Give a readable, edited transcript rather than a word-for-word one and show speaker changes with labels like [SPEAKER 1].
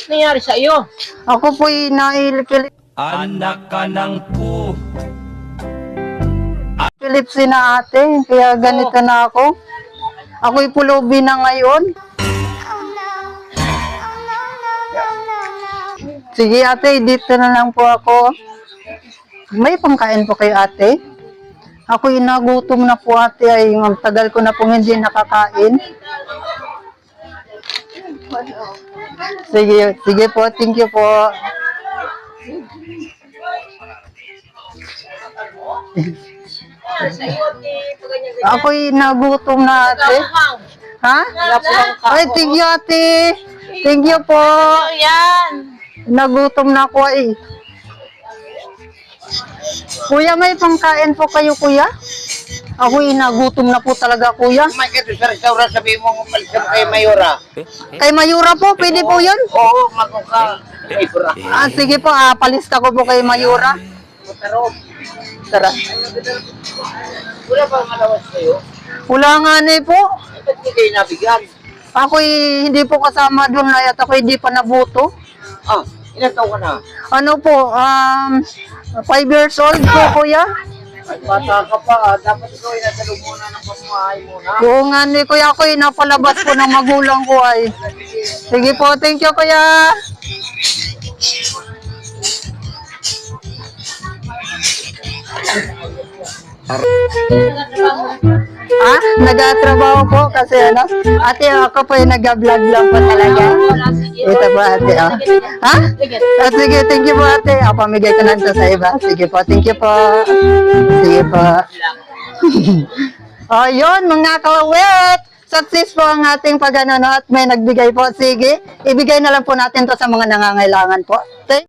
[SPEAKER 1] nangyari sa iyo?
[SPEAKER 2] Ako po'y nailipilip
[SPEAKER 3] Anak ka ng po.
[SPEAKER 2] si na ate, kaya ganito na ako. Ako'y pulubi na ngayon. Sige ate, dito na lang po ako. May pangkain po kayo ate? Ako'y nagutom na po ate, ay ang tagal ko na po hindi nakakain. Sige po, thank you po. Ako'y nagutom na ate. Ha? Ay, thank you ate. Thank you po.
[SPEAKER 1] Yan.
[SPEAKER 2] Nagutom na ako eh. Kuya, may pangkain po kayo kuya? Ako'y nagutom na po talaga kuya.
[SPEAKER 4] May ito sa restaurant, sabi mo umalis ka kay Mayora.
[SPEAKER 2] Kay Mayura po, pwede po yun?
[SPEAKER 4] Oo, maguka. Mayora.
[SPEAKER 2] Sige po, palista ko po kay Mayura.
[SPEAKER 4] Pero,
[SPEAKER 2] Tara.
[SPEAKER 4] wala pa malawas kayo.
[SPEAKER 2] Wala nga na po.
[SPEAKER 4] Ba't hindi kayo nabigyan?
[SPEAKER 2] Ako'y hindi po kasama doon na at ako'y hindi pa nabuto.
[SPEAKER 4] Ah, ilan taon ka na?
[SPEAKER 2] Ano po, 5 years old po kuya.
[SPEAKER 4] Ay, bata ka pa. Dapat ikaw ay nasa loob muna ng pamumuhay muna.
[SPEAKER 2] Oo nga ni kuya, ako'y napalabas po ng magulang ko ay. Sige po, thank you kuya. Nagatrabaho po kasi ano, ate ako po yung nag-vlog lang po talaga. Ito po ate, oh. Ha? Sige, thank you po ate. Pamigay ko lang to sa iba. Sige po, thank you po. Sige po. Yun, mga kawet. Success po ang ating pag-ano at may nagbigay po. Sige, ibigay na lang po natin to sa mga nangangailangan po.